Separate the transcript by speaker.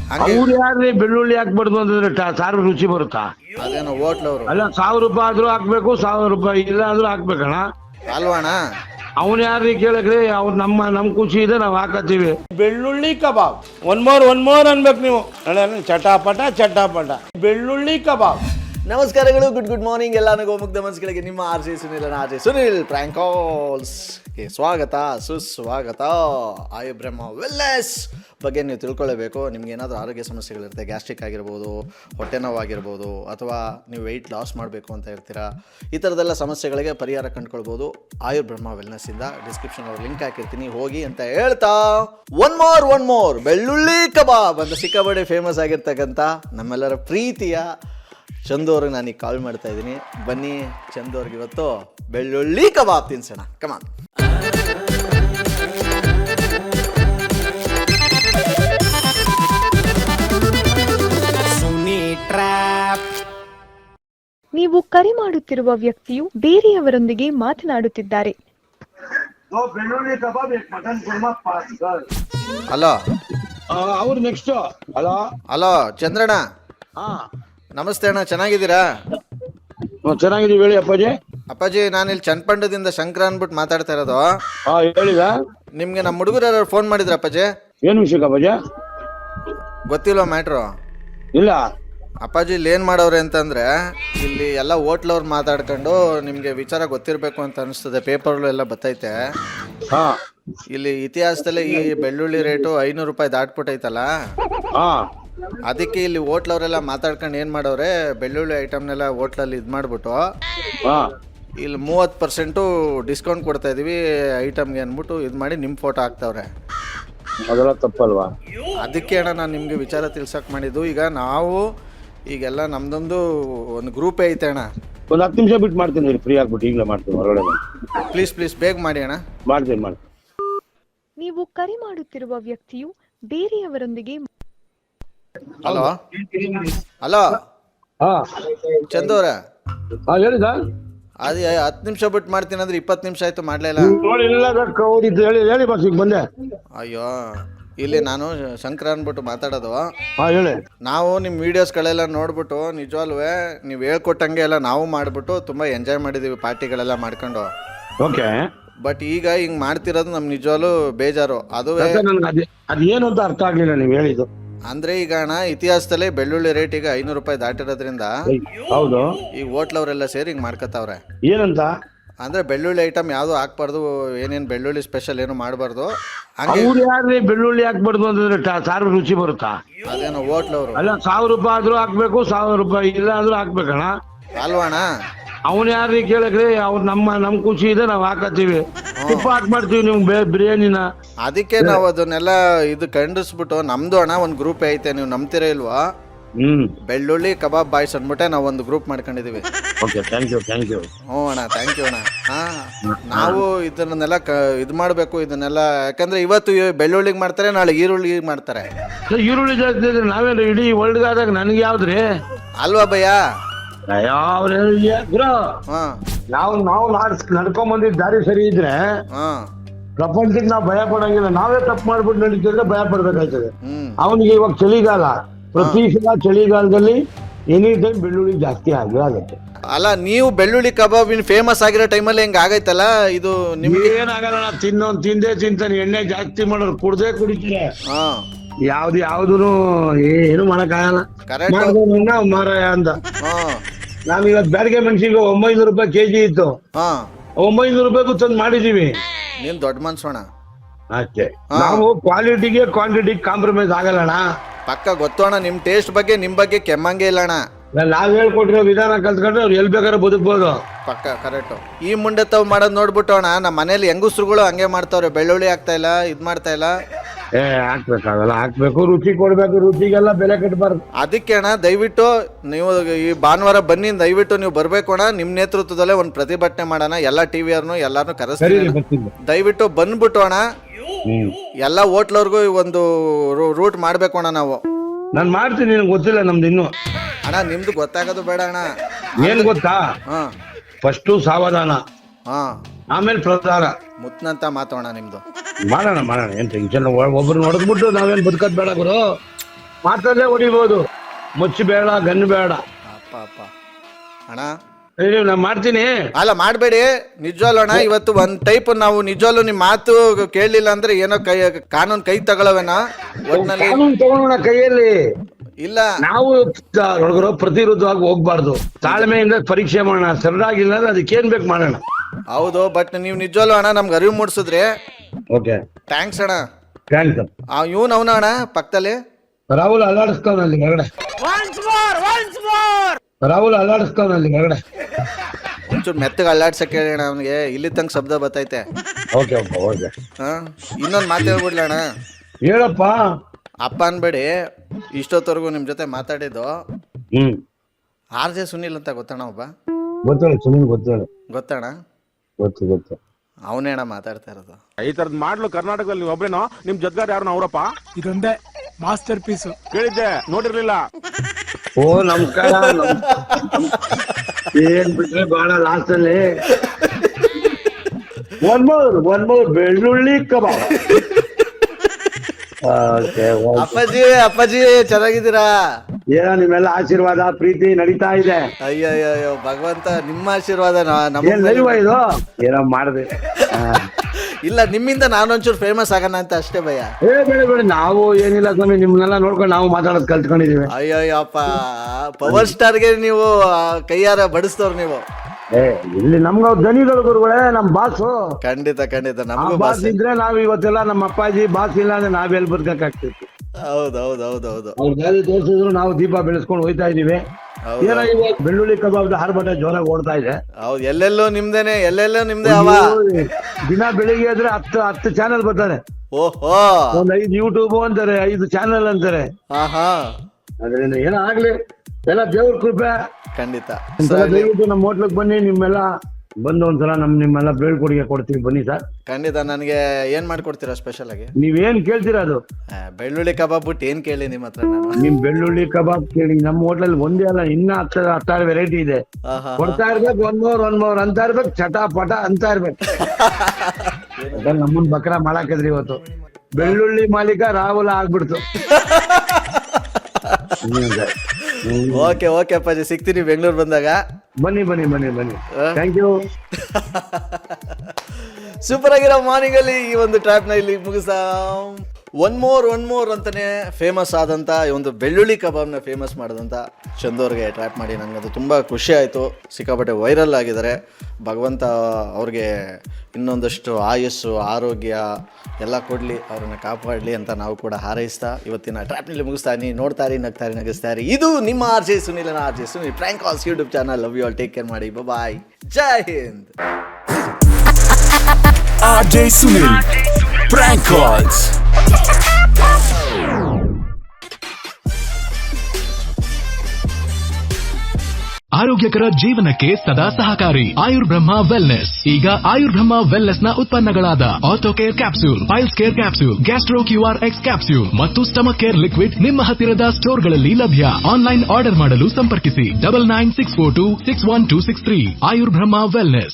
Speaker 1: ಅವ್ರು ಯಾರೇ ಬೆಳ್ಳುಳ್ಳಿ ಹಾಕ್ಬಾರ್ದು ಅಂತಂದ್ರೆ ಸಾರು ರುಚಿ ಬರುತ್ತಾ?
Speaker 2: ಅದೇನೋ ಹೋಟ್ಲವ್ರು
Speaker 1: ಅಲ್ಲ, 1000 ರೂಪಾಯಿ ಆದ್ರೂ ಹಾಕ್ಬೇಕು, 1000 ರೂಪಾಯಿ ಇಲ್ಲ ಆದ್ರೂ ಹಾಕ್ಬೇಕಣ್ಣ.
Speaker 2: ಅಲ್ವಾಣ?
Speaker 1: ಅವನ್ ಯಾರೀ ಕೇಳಕ್ರಿ? ಅವ್ರು ನಮ್ ಖುಷಿ ಇದೆ, ನಾವ್ ಹಾಕತ್ತೀವಿ.
Speaker 3: ಬೆಳ್ಳುಳ್ಳಿ ಕಬಾಬ್ ಒನ್ ಮೋರ್ ಅನ್ಬೇಕು ನೀವು. ಚಟಾಪಟ ಬೆಳ್ಳುಳ್ಳಿ ಕಬಾಬ್.
Speaker 2: ನಮಸ್ಕಾರಗಳು, ಗುಡ್ ಮಾರ್ನಿಂಗ್ ಎಲ್ಲ ಗೋಮುಗ್ಧ ಮನಸ್ಸುಗಳಿಗೆ. ನಿಮ್ಮ ಆರ್ ಜೆ ಸುನಿಲ್ ಪ್ರ್ಯಾಂಕ್ ಕಾಲ್ಸ್ಗೆ ಸ್ವಾಗತ, ಸುಸ್ವಾಗತ. ಆಯು ಬ್ರಹ್ಮ ವೆಲ್ನೆಸ್ ಬಗ್ಗೆ ನೀವು ತಿಳ್ಕೊಳ್ಳಬೇಕು. ನಿಮ್ಗೆ ಏನಾದರೂ ಆರೋಗ್ಯ ಸಮಸ್ಯೆಗಳಿರುತ್ತೆ, ಗ್ಯಾಸ್ಟ್ರಿಕ್ ಆಗಿರ್ಬೋದು, ಹೊಟ್ಟೆ ನೋವಾಗಿರ್ಬೋದು, ಅಥವಾ ನೀವು ವೆಯ್ಟ್ ಲಾಸ್ ಮಾಡಬೇಕು ಅಂತ ಇರ್ತೀರಾ, ಈ ಥರದ್ದೆಲ್ಲ ಸಮಸ್ಯೆಗಳಿಗೆ ಪರಿಹಾರ ಕಂಡುಕೊಳ್ಬೋದು ಆಯು ಬ್ರಹ್ಮ ವೆಲ್ನೆಸ್ಸಿಂದ. ಡಿಸ್ಕ್ರಿಪ್ಷನ್ ಅವ್ರು ಲಿಂಕ್ ಹಾಕಿರ್ತೀನಿ, ಹೋಗಿ ಅಂತ ಹೇಳ್ತಾ ಒನ್ ಮೋರ್ ಬೆಳ್ಳುಳ್ಳಿ ಕಬಾಬ್ ಅಂತ ಸಿಕ್ಕಾಪಟ್ಟೆ ಫೇಮಸ್ ಆಗಿರ್ತಕ್ಕಂಥ ನಮ್ಮೆಲ್ಲರ ಪ್ರೀತಿಯ ಚಂದು ಅವ್ರಿಗೆ ನಾನೀಗ ಕಾಲ್ ಮಾಡ್ತಾ ಇದ್ದೀನಿ. ಬನ್ನಿ ಚಂದು ಅವ್ರಿಗೆ ಇವತ್ತು ಬೆಳ್ಳುಳ್ಳಿ ಕಬಾಬ್ ತಿನ್ಸೋಣ. ಕಮಾನ್.
Speaker 4: ನೀವು ಕರೆ ಮಾಡುತ್ತಿರುವ ವ್ಯಕ್ತಿಯು ಬೇರೆಯವರೊಂದಿಗೆ ಮಾತನಾಡುತ್ತಿದ್ದಾರೆ.
Speaker 2: ಹಲೋ
Speaker 1: ಅವ್ರು ನೆಕ್ಸ್ಟ್. ಹಲೋ
Speaker 2: ಹಲೋ ಚಂದ್ರಣ್ಣ,
Speaker 1: ಹಾ
Speaker 2: ನಮಸ್ತೆ ಅಣ್ಣ, ಚೆನ್ನಾಗಿದ್ದೀರಾ?
Speaker 1: ಚೆನ್ನಾಗಿದೀವಿ, ಹೇಳಿ ಅಪ್ಪಾಜಿ.
Speaker 2: ಅಪ್ಪಾಜಿ, ನಾನು ಇಲ್ಲಿ ಚನ್ನಪಂಡದಿಂದ ಶಂಕರ ಅಂದ್ಬಿಟ್ಟು ಮಾತಾಡ್ತಾ ಇರೋದು.
Speaker 1: ಹಾ ಹೇಳಿದ.
Speaker 2: ನಿಮ್ಗೆ ನಮ್ಮ ಹುಡುಗರು ಯಾರು ಫೋನ್ ಮಾಡಿದ್ರ ಅಪ್ಪಾಜಿ?
Speaker 1: ಏನು ವಿಷಯಕ್ಕೆ ಅಪ್ಪಾಜಿ?
Speaker 2: ಗೊತ್ತಿಲ್ವ ಮ್ಯಾಟ್ರು?
Speaker 1: ಇಲ್ಲ
Speaker 2: ಅಪ್ಪಾಜಿ, ಇಲ್ಲಿ ಏನು ಮಾಡವ್ರೆ ಅಂತಂದರೆ, ಇಲ್ಲಿ ಎಲ್ಲ ಹೋಟ್ಲವ್ರು ಮಾತಾಡ್ಕೊಂಡು ನಿಮಗೆ ವಿಚಾರ ಗೊತ್ತಿರಬೇಕು ಅಂತ ಅನಿಸ್ತದೆ, ಪೇಪರ್ಲು ಎಲ್ಲ ಬತ್ತೈತೆ.
Speaker 1: ಹಾ
Speaker 2: ಇಲ್ಲಿ ಇತಿಹಾಸದಲ್ಲೇ ಈ ಬೆಳ್ಳುಳ್ಳಿ ರೇಟು 500 ರೂಪಾಯಿ ದಾಟ್ಬಿಟ್ಟೈತಲ್ಲ,
Speaker 1: ಹಾ
Speaker 2: ಅದಕ್ಕೆ ಇಲ್ಲಿ ಹೋಟ್ಲವರೆಲ್ಲ ಮಾತಾಡ್ಕೊಂಡು ಏನು ಮಾಡವ್ರೆ, ಬೆಳ್ಳುಳ್ಳಿ ಐಟಮ್ನೆಲ್ಲ ಹೋಟ್ಲಲ್ಲಿ ಇದು ಮಾಡಿಬಿಟ್ಟು
Speaker 1: ಹಾ
Speaker 2: ಇಲ್ಲಿ 30% ಡಿಸ್ಕೌಂಟ್ ಕೊಡ್ತಾ ಇದೀವಿ ಐಟಮ್ಗೆ ಅಂದ್ಬಿಟ್ಟು ಇದು ಮಾಡಿ ನಿಮ್ಮ ಫೋಟೋ ಹಾಕ್ತವ್ರೆ.
Speaker 1: ಅದೆಲ್ಲ ತಪ್ಪಲ್ವಾ?
Speaker 2: ಅದಕ್ಕೆ ಅಣ್ಣ ನಾನು ನಿಮಗೆ ವಿಚಾರ ತಿಳ್ಸಕ್ಕೆ ಮಾಡಿದ್ದು. ಈಗೆಲ್ಲ ನಮ್ದೊಂದು ಒಂದು ಗ್ರೂಪೇ ಐತೆ ಅಣ್ಣ.
Speaker 1: ಒಂದು 10 ನಿಮಿಷ ಬಿಟ್ಟು ಮಾಡ್ತೀನಿ, ಫ್ರೀ ಆಗ್ಬಿಟ್ಟು ಈಗಲೇ ಮಾಡ್ತೀನಿ, ಹೊರಗಡೆ
Speaker 2: ಪ್ಲೀಸ್ ಬೇಗ ಮಾಡಿ ಅಣ್ಣ.
Speaker 1: ಮಾಡ್ತೀನಿ.
Speaker 4: ನೀವು ಕರೆ ಮಾಡುತ್ತಿರುವ ವ್ಯಕ್ತಿಯು ಬೇರೆಯವರೊಂದಿಗೆ
Speaker 2: ಹಲೋ
Speaker 1: ಹಾ
Speaker 2: ಚಂದು ಅವ್ರ,
Speaker 1: ಹಾ ಹೇಳಿದ.
Speaker 2: ಅದು 10 ನಿಮಿಷ ಬಿಟ್ಟು ಮಾಡ್ತೀನಿ ಅಂದ್ರೆ 20 ನಿಮಿಷ ಆಯ್ತು ಮಾಡ್ಲಿಲ್ಲ.
Speaker 1: ಹೇಳಿ ಬಸ್, ಈಗ ಬಂದೆ.
Speaker 2: ಅಯ್ಯೋ, ಇಲ್ಲಿ ನಾನು ಶಂಕರ ಅಂದ್ಬಿಟ್ಟು ಮಾತಾಡೋದು.
Speaker 1: ಹಾ ಹೇಳಿ.
Speaker 2: ನಾವು ನಿಮ್ಮ ವೀಡಿಯೋಸ್ಗಳೆಲ್ಲ ನೋಡ್ಬಿಟ್ಟು ನಿಜವಾಗ್ಲೂ ನೀವು ಹೇಳ್ಕೊಟ್ಟಂಗೆ ಎಲ್ಲ ನಾವು ಮಾಡಿಬಿಟ್ಟು ತುಂಬ ಎಂಜಾಯ್ ಮಾಡಿದ್ದೀವಿ, ಪಾರ್ಟಿಗಳೆಲ್ಲ ಮಾಡ್ಕೊಂಡು.
Speaker 1: ಓಕೆ.
Speaker 2: ಬಟ್ ಈಗ ಹಿಂಗೆ ಮಾಡ್ತಿರೋದು ನಮ್ಗೆ ನಿಜವಾಗ್ಲೂ ಬೇಜಾರು. ಅದುವೇ
Speaker 1: ಅದೇನು ಅಂತ ಅರ್ಥ ಆಗ್ಲಿಲ್ಲ ನೀವು ಹೇಳಿದ್ದು.
Speaker 2: ಅಂದ್ರೆ ಈಗ ಅಣ್ಣ, ಇತಿಹಾಸದಲ್ಲಿ ಬೆಳ್ಳುಳ್ಳಿ ರೇಟ್ ಈಗ 500 ರೂಪಾಯಿ ದಾಟಿರೋದ್ರಿಂದ
Speaker 1: ಹೌದು,
Speaker 2: ಈಗ ಹೋಟ್ಲವರೆಲ್ಲ ಸೇರಿ ಹಿಂಗೆ ಮಾಡ್ಕೊತಾವ್ರೆ.
Speaker 1: ಏನಂತ
Speaker 2: ಅಂದ್ರೆ ಬೆಳ್ಳುಳ್ಳಿ ಐಟಮ್ ಯಾವುದು ಹಾಕ್ಬಾರ್ದು, ಏನೇನು ಬೆಳ್ಳುಳ್ಳಿ ಸ್ಪೆಷಲ್ ಏನು ಮಾಡಬಾರ್ದು. ಹಂಗೆ
Speaker 1: ಅವ್ರು ಯಾರೇ ಬೆಳ್ಳುಳ್ಳಿ ಹಾಕ್ಬಾರ್ದು ಅಂತಂದ್ರೆ ಸಾರು ರುಚಿ ಬರುತ್ತಾ?
Speaker 2: ಅದೇನೋ ಹೋಟ್ಲವ್ರು.
Speaker 1: ಅಲ್ಲ, 1000 ರೂಪಾಯಿ ಆದ್ರೂ ಹಾಕ್ಬೇಕು, 1000 ರೂಪಾಯಿ ಇಲ್ಲ ಆದ್ರೂ ಹಾಕ್ಬೇಕಣ್ಣ.
Speaker 2: ಅಲ್ವಾಣ?
Speaker 1: ಅವನ್ ಯಾರೀ ಕೇಳಕ್ರಿ? ಅವ್ರು ನಮ್ ಖುಷಿ ಇದೆ, ನಾವ್ ಹಾಕತ್ತೀವಿ. ತುಪ್ಪ ಹಾಕ್ಬಾರ್ತೀವಿ ನಿಮ್ಗೆ ಬಿರಿಯಾನಿನ.
Speaker 2: ಅದಕ್ಕೆ ನಾವು ಅದನ್ನೆಲ್ಲ ಇದು ಖಂಡಿಸ್ಬಿಟ್ಟು, ನಮ್ದು ಅಣ್ಣ ಒಂದು ಗ್ರೂಪ್ ಐತೆ, ನೀವು ನಂಬ್ತೀರಾ ಇಲ್ವಾ? ಬೆಳ್ಳುಳ್ಳಿ ಕಬಾಬ್ ಬಾಯ್ಸ್ ಅಂದ್ಬಿಟ್ಟೆ ನಾವು ಒಂದು ಗ್ರೂಪ್ ಮಾಡ್ಕೊಂಡಿದೀವಿ.
Speaker 1: Okay, thank you.
Speaker 2: ಹ್ಞೂ ಅಣ್ಣ, ಥ್ಯಾಂಕ್ ಯು ಅಣ್ಣ. ನಾವು ಇದನ್ನೆಲ್ಲ ಇದು ಮಾಡಬೇಕು ಇದನ್ನೆಲ್ಲ, ಯಾಕಂದ್ರೆ ಇವತ್ತು ಬೆಳ್ಳುಳ್ಳಿಗೆ ಮಾಡ್ತಾರೆ, ನಾಳೆ ಈರುಳ್ಳಿಗೆ ಮಾಡ್ತಾರೆ.
Speaker 1: ಈರುಳ್ಳಿ ಜಾಸ್ತಿ ಇದ್ರೆ ನಾವೇನು ಇಡೀ ವರ್ಲ್ಡ್ಗಾದಾಗ ನನಗೆ ಯಾವ್ದ್ರಿ?
Speaker 2: ಅಲ್ವಾ ಭಯ್ಯ?
Speaker 1: ಗುರು, ನಾವು ನಡ್ಕೊಂಡ್ ಬಂದಿದ್ ದಾರಿ ಸರಿ ಇದ್ರೆ ಪ್ರಪಂಚಕ್ಕೆ ನಾವು ಭಯ ಪಡಂಗಿಲ್ಲ. ನಾವೇ ತಪ್ಪು ಮಾಡ್ಬಿಟ್ಟು ನಡೀತಿದ್ರೆ ಭಯ ಪಡ್ಬೇಕಾಯ್ತದೆ. ಅವನಿಗೆ ಇವಾಗ ಚಳಿಗಾಲ, ಪ್ರತಿ ಸಲ ಚಳಿಗಾಲದಲ್ಲಿ ಎನಿ ಟೈಮ್ ಬೆಳ್ಳುಳ್ಳಿ ಜಾಸ್ತಿ ಆಗುತ್ತೆ.
Speaker 2: ಅಲ್ಲ, ನೀವು ಬೆಳ್ಳುಳ್ಳಿ ಕಬಾಬಿನ ಫೇಮಸ್ ಆಗಿರೋ ಟೈಮಲ್ಲಿ ಹೆಂಗ ಆಗೈತಲ್ಲ, ಇದು ನಿಮ್ಗೆ
Speaker 1: ಏನಾಗಲ್ಲ. ತಿಂದೇ ತಿಂತಾನೆ, ಎಣ್ಣೆ ಜಾಸ್ತಿ ಮಾಡೋರು ಕುಡ್ದೇ ಕುಡಿತಾರೆ. ಯಾವ್ದು ಏನು ಮಾಡಕ್ಕಾಗಲ್ಲ. ಮಾರಾಯ ಅಂತ ನಾವ್ ಇವತ್ತು ಬ್ಯಾಡಿಗೆ ಮೆಣಸಿಗೆ 900 ರೂಪಾಯಿ ಕೆಜಿ ಇತ್ತು. 900 ರೂಪಾಯಿಗೂ ತಂದು ಮಾಡಿದೀವಿ.
Speaker 2: ನೀನ್ ದೊಡ್ಡ ಮನ್ಸೋಣ
Speaker 1: ಅಷ್ಟೇ. ನಾವು ಕ್ವಾಲಿಟಿಗೆ ಕ್ವಾಂಟಿಟಿ ಕಾಂಪ್ರಮೈಸ್ ಆಗಲ್ಲಣ್ಣ.
Speaker 2: ಪಕ್ಕ ಗೊತ್ತೋಣ, ನಿಮ್ ಟೇಸ್ಟ್ ಬಗ್ಗೆ ನಿಮ್ ಬಗ್ಗೆ ಕೆಮ್ಮಂಗೆ ಇಲ್ಲ ಅಣ್ಣ.
Speaker 1: ನಾವ್ ಹೇಳ್ಕೊಟ್ಟಿರೋ ವಿಧಾನ ಕಲ್ತ್ಕೊಂಡ್ರೆ ಅವ್ರು ಎಲ್ ಬೇಕಾದ್ರೆ ಬದುಕ್ಬೋದು.
Speaker 2: ಪಕ್ಕ ಕರೆಕ್ಟ್. ಈ ಮುಂಡೆ ತಾವ್ ಮಾಡೋದ್ ನೋಡ್ಬಿಟ್ಟು ಅಣ್ಣ, ನಮ್ಮ ಮನೇಲಿ ಹೆಂಗಸ್ರುಗಳು ಹಂಗೆ ಮಾಡ್ತಾವ್ರೆ, ಬೆಳ್ಳುಳ್ಳಿ ಹಾಕ್ತಾ ಇಲ್ಲ, ಇದ್ ಮಾಡ್ತಾ ಇಲ್ಲ.
Speaker 1: ಹಾಕ್ಬೇಕಾಗಲ್ಲ, ಹಾಕ್ಬೇಕು, ರುಚಿ ಕೊಡ್ಬೇಕು, ರುಚಿಗೆಲ್ಲ ಬೆಲೆ ಕಟ್ಟಬಾರ್ದು.
Speaker 2: ಅದಕ್ಕೆ ಅಣ್ಣ, ದಯವಿಟ್ಟು ನೀವು ಈ ಭಾನುವಾರ ಬನ್ನಿ, ದಯವಿಟ್ಟು ನೀವು ಬರ್ಬೇಕು ಅಣ್ಣ. ನಿಮ್ ನೇತೃತ್ವದಲ್ಲೇ ಒಂದು ಪ್ರತಿಭಟನೆ ಮಾಡೋಣ, ಎಲ್ಲ ಟಿವಿಯವ್ರನ್ನು ಎಲ್ಲಾರನ್ನು ಕರೆಸ್ತೀವಿ. ದಯವಿಟ್ಟು ಬಂದ್ಬಿಟ್ಟು ಅಣ್ಣ, ಎಲ್ಲ ಹೋಟ್ಲವ್ರಿಗೂ ಒಂದು ರೂಟ್ ಮಾಡ್ಬೇಕು ಅಣ್ಣ. ನಾವು
Speaker 1: ನಾನು ಮಾಡ್ತೀನಿ, ನಿನಗೆ ಗೊತ್ತಿಲ್ಲ ನಮ್ದು ಇನ್ನು.
Speaker 2: ಅಣ್ಣ, ನಿಮ್ದು ಗೊತ್ತಾಗೋದು ಬೇಡ ಅಣ್ಣ.
Speaker 1: ಏನ್ ಗೊತ್ತಾ? ಫಸ್ಟು ಸಾವಧಾನ, ಆಮೇಲೆ ಪ್ರಧಾನ.
Speaker 2: ಮುತ್ನಂತ ಮಾತೋಣ ನಿಮ್ದು.
Speaker 1: ಮಾಡೋಣ ಏನ್ ಟೆನ್ಷನ್. ಒಬ್ರು ನೋಡಿದ್ಬಿಟ್ಟು ನಾವೇನ್ ಬದುಕದ್ ಬೇಡ ಗುರು. ಮಾತಲ್ಲೇ ಹೊಡಿಬೋದು, ಮುಚ್ಚಿ ಬೇಡ ಗನ್ ಬೇಡ.
Speaker 2: ಅಪ್ಪ ಅಪ್ಪ ಅಣ್ಣ
Speaker 1: ನಾ ಮಾಡ್ತೀನಿ.
Speaker 2: ಅಲ್ಲ ಮಾಡಬೇಡಿ ನಿಜವಲ್ಲ ಅಣ್ಣ. ಇವತ್ತು ಒಂದ್ ಟೈಪ್ ನಾವು ನಿಜವಲ್ಲೂ ನಿಮ್ ಮಾತು ಕೇಳಲಿಲ್ಲ ಅಂದ್ರೆ ಏನೋ ಕಾನೂನು ಕೈ ತಗೊಳವೇನ ಒಟ್ನಲ್ಲಿ.
Speaker 1: ಕಾನೂನು ತಗೊಳ್ಳೋಣ ಕೈಯಲ್ಲಿ.
Speaker 2: ಇಲ್ಲ
Speaker 1: ನಾವು ಹುಡುಗರು ಪ್ರತಿರೋಧವಾಗಿ ಹೋಗ್ಬಾರ್ದು, ತಾಳ್ಮೆಯಿಂದ ಪರೀಕ್ಷೆ ಮಾಡೋಣ. ಸರಿಯಾಗಿಲ್ಲ ಅಂದ್ರೆ ಅದಕ್ಕೇನ್ ಬೇಕು ಮಾಡೋಣ.
Speaker 2: ಹೌದು, ಬಟ್ ನೀವು ನಿಜವಲ್ಲೂ ಅಣ್ಣ ನಮ್ಗೆ ಅರಿವು ಮೂಡಿಸಿದ್ರಿ.
Speaker 1: ಓಕೆ,
Speaker 2: ಥ್ಯಾಂಕ್ಸ್ ಅಣ್ಣ.
Speaker 1: ಥ್ಯಾಂಕ್ಸ್.
Speaker 2: ಇವನ್ ಅವನ ಅಣ್ಣ ಪಕ್ಕದಲ್ಲಿ
Speaker 1: ರಾಹುಲ್ ಅಲ್ಲಾಡಿಸ್ತಾವನಲ್ಲಿ ಹೊರಗಡೆ. ರಾಹುಲ್ ಅಲ್ಲಾಡಿಸ್ತಾವನಲ್ಲಿ ಹೊರಗಡೆ.
Speaker 2: ಒಂಚೂರು ಮೆತ್ತಗೆ ಅಲ್ಲಾಡ್ಸಕ್ ಹೇಳಿ ಅಣ್ಣ ಅವನಿಗೆ. ಇಲ್ಲಿ ತನಕ ಶಬ್ದ ಬತ್ತೈತೆ.
Speaker 1: Okay okay okay.
Speaker 2: ಇನ್ನೊಂದು ಮಾತು ಹೇಳ್ಬಿಡ್ಲ ಅಣ್ಣ.
Speaker 1: ಹೇಳಪ್ಪ.
Speaker 2: ಅಪ್ಪ ಅನ್ಬೇಡಿ, ಇಷ್ಟೊತ್ತವರೆಗೂ ನಿಮ್ ಜೊತೆ ಮಾತಾಡಿದ್ದು RJ ಸುನಿಲ್ ಅಂತ ಗೊತ್ತಣ್ಣ ಒಬ್ಬ?
Speaker 1: ಗೊತ್ತೇಳಿ ಸುನಿಲ್, ಗೊತ್ತೇಳಿ.
Speaker 2: ಗೊತ್ತಣ್ಣ?
Speaker 1: ಗೊತ್ತು.
Speaker 2: ಅವನೇ ಅಣ್ಣ ಮಾತಾಡ್ತಾ ಇರೋದು.
Speaker 5: ಈ ತರದ್ ಮಾಡ್ಲು ಕರ್ನಾಟಕದಲ್ಲಿ ನೀವು ಒಬ್ರೇನೋ? ನಿಮ್ ಜೊತೆಗಾರ ಯಾರು ಅವರಪ್ಪ?
Speaker 6: ಇದೊಂದೇ ಮಾಸ್ಟರ್ ಪೀಸು.
Speaker 5: ಕೇಳಿದ್ದೆ, ನೋಡಿರ್ಲಿಲ್ಲ.
Speaker 1: ಓ ನಮಸ್ಕಾರ. ಏನ್ ಬಿಟ್ರೆ ಬಾಳ ಲಾಸ್ಟ್ ಅಲ್ಲಿ ಒನ್ ಮೋರ್ ಬೆಳ್ಳುಳ್ಳಿ ಕಬಾಬ್.
Speaker 2: ಅಪ್ಪಾಜಿ ಚೆನ್ನಾಗಿದ್ದೀರಾ?
Speaker 1: ಏನೋ ನಿಮ್ಮೆಲ್ಲ ಆಶೀರ್ವಾದ ಪ್ರೀತಿ ನಡೀತಾ ಇದೆ.
Speaker 2: ಅಯ್ಯೋ ಭಗವಂತ ನಿಮ್ಮ ಆಶೀರ್ವಾದ
Speaker 1: ಏನ್ ಲೈವ್ ಇದು ಏನೋ ಮಾಡಿದೆ.
Speaker 2: ಇಲ್ಲ, ನಿಮ್ಮಿಂದ ನಾನೊಂಚೂರು ಫೇಮಸ್ ಆಗೋಣ ಅಂತ ಅಷ್ಟೇ ಭಯ.
Speaker 1: ಬೇಡ ನಾವು ಏನಿಲ್ಲ ಸ್ವಾಮಿ, ನಿಮ್ನೆಲ್ಲ ನೋಡ್ಕೊಂಡು ನಾವು ಮಾತಾಡೋದು ಕಲ್ತ್ಕೊಂಡಿದೀವಿ.
Speaker 2: ಅಯ್ಯಪ್ಪ, ಪವರ್ ಸ್ಟಾರ್ಗೆ ನೀವು ಕೈಯಾರ ಬಡಿಸ್ತವ್ರು ನೀವು.
Speaker 1: ಇಲ್ಲಿ ನಮ್ಗ ಧನಿಗಳು ಗುರುಗಳೇ, ನಮ್ ಬಾಸು.
Speaker 2: ಖಂಡಿತ ನಮಗೂ
Speaker 1: ಬಾಸ್ ಇದ್ರೆ ನಾವ್ ಇವತ್ತೆಲ್ಲ ನಮ್ಮ ಅಪ್ಪಾಜಿ ಬಾಸ್ ಇಲ್ಲ ಅಂದ್ರೆ ನಾವೆಲ್ಲಿ ಬದುಕಕ್ಕಾಗ್ತಿತ್ತು.
Speaker 2: ಹೌದು
Speaker 1: ಅವ್ರ ಗಾಡಿ ತೋರಿಸಿದ್ರು ನಾವು ದೀಪ ಬೆಳೆಸ್ಕೊಂಡು ಹೋಯ್ತಾ ಇದೀವಿ. ಏನೋ ಇವಾಗ ಬೆಳ್ಳುಳ್ಳಿ ಕಬಾಬ್ದ ಹಾರ್ಬಟ ಜೋರಾಗಿ ಓಡ್ತಾ ಇದೆ.
Speaker 2: ಹೌದು, ಎಲ್ಲೆಲ್ಲೋ ನಿಮ್ದೇ ಅವ.
Speaker 1: ದಿನ ಬೆಳಿಗ್ಗೆ ಆದ್ರೆ 10 ಚಾನೆಲ್ ಬರ್ತಾರೆ.
Speaker 2: ಓಹೋ,
Speaker 1: ಒಂದ್ 5 ಯೂಟ್ಯೂಬ್ ಅಂತಾರೆ, 5 ಚಾನೆಲ್ ಅಂತಾರೆ. ಅದರಿಂದ ಏನೋ ಆಗ್ಲಿ, ಎಲ್ಲ ದೇವ್ರ ಕೃಪೆ.
Speaker 2: ಖಂಡಿತ
Speaker 1: ದಯವಿಟ್ಟು ನಮ್ಮ ಹೋಟ್ಲಿಗೆ ಬನ್ನಿ. ನಿಮ್ಮೆಲ್ಲ ಬಂದು ಒಂದ್ಸಲ ನಿಮ್ಮೆಲ್ಲ ಬೀಳ್ಕೊಡುಗೆ ಕೊಡ್ತೀವಿ, ಬನ್ನಿ ಸರ್.
Speaker 2: ಖಂಡಿತ. ನನಗೆ ಏನ್ ಮಾಡ್ಕೊಡ್ತೀರಾ ಸ್ಪೆಷಲ್ ಆಗಿ?
Speaker 1: ನೀವೇನ್ ಕೇಳ್ತೀರಾ ಅದು.
Speaker 2: ಬೆಳ್ಳುಳ್ಳಿ ಕಬಾಬ್ ಬಿಟ್ಟು ಏನ್ ಕೇಳಿ ನಿಮ್ಮ ಹತ್ರ ನಾನು?
Speaker 1: ನಿಮ್ ಬೆಳ್ಳುಳ್ಳಿ ಕಬಾಬ್ ಕೇಳಿ. ನಮ್ಮ ಹೋಟ್ಲಲ್ಲಿ ಒಂದೇ ಅಲ್ಲ, ಇನ್ನ 10 ವೆರೈಟಿ ಇದೆ. ಕೊಡ್ತಾ ಇರ್ಬೇಕು, ಒನ್ ಮೋರ್ ಅಂತ ಇರ್ಬೇಕು, ಚಟಾಪಟ ಅಂತ ಇರ್ಬೇಕು. ನಮ್ಮನ್ ಬಕ್ರ ಮಾಡಾಕಿದ್ರಿ ಇವತ್ತು. ಬೆಳ್ಳುಳ್ಳಿ ಮಾಲೀಕ ರಾಹುಲ್ ಆಗ್ಬಿಡ್ತು.
Speaker 2: ಓಕೆ ಅಪ್ಪಾಜಿ, ಸಿಗ್ತೀನಿ ಬೆಂಗಳೂರು ಬಂದಾಗ.
Speaker 1: ಬನ್ನಿ ಥ್ಯಾಂಕ್ ಯು.
Speaker 2: ಸೂಪರ್ ಆಗಿರೋ ಮಾರ್ನಿಂಗ್ ಅಲ್ಲಿ ಈ ಒಂದು ಟ್ರ್ಯಾಪ್ ನ ಇಲ್ಲಿ ಮುಗಿಸ. ಒನ್ ಮೋರ್ ಅಂತಾನೆ ಫೇಮಸ್ ಆದಂತ ಈ ಒಂದು ಬೆಳ್ಳುಳ್ಳಿ ಕಬಾಬ್ನ ಫೇಮಸ್ ಮಾಡಿದಂತ ಚಂದೋರ್ಗೆ ಟ್ರ್ಯಾಪ್ ಮಾಡಿ ನಂಗೆ ಅದು ತುಂಬ ಖುಷಿ ಆಯಿತು. ಸಿಕ್ಕಾಪಟ್ಟೆ ವೈರಲ್ ಆಗಿದ್ದಾರೆ. ಭಗವಂತ ಅವ್ರಿಗೆ ಇನ್ನೊಂದಷ್ಟು ಆಯಸ್ಸು ಆರೋಗ್ಯ ಎಲ್ಲ ಕೊಡಲಿ, ಅವ್ರನ್ನ ಕಾಪಾಡಲಿ ಅಂತ ನಾವು ಕೂಡ ಹಾರೈಸ್ತಾ ಇವತ್ತಿನ ಟ್ರ್ಯಾಪ್ನಲ್ಲಿ ಮುಗಿಸ್ತಾ ನೋಡ್ತಾರಿ ನಗಿಸ್ತಾರಿ. ಇದು ನಿಮ್ಮ RJ Sunil prank calls YouTube channel. Love you all, take care ಮಾಡಿ, ಬಾಯ್, ಜೈ Hind.
Speaker 7: RJ Sunil Prank Calls. ಆರೋಗ್ಯಕರ ಜೀವನಕ್ಕೆ ಸದಾ ಸಹಕಾರಿ ಆಯುರ್ಬ್ರಹ್ಮ ವೆಲ್ನೆಸ್. ಈಗ ಆಯುರ್ಬ್ರಹ್ಮ ವೆಲ್ನೆಸ್ ನ ಉತ್ಪನ್ನಗಳಾದ Orthocare capsule, piles care capsule, gastro QRX capsule ಮತ್ತು ಸ್ಟಮಕ್ ಕೇರ್ ಲಿಕ್ವಿಡ್ ನಿಮ್ಮ ಹತ್ತಿರದ ಸ್ಟೋರ್ಗಳಲ್ಲಿ ಲಭ್ಯ. ಆನ್ಲೈನ್ ಆರ್ಡರ್ ಮಾಡಲು ಸಂಪರ್ಕಿಸಿ 9964261263. ಆಯುರ್ಬ್ರಹ್ಮ ವೆಲ್ನೆಸ್.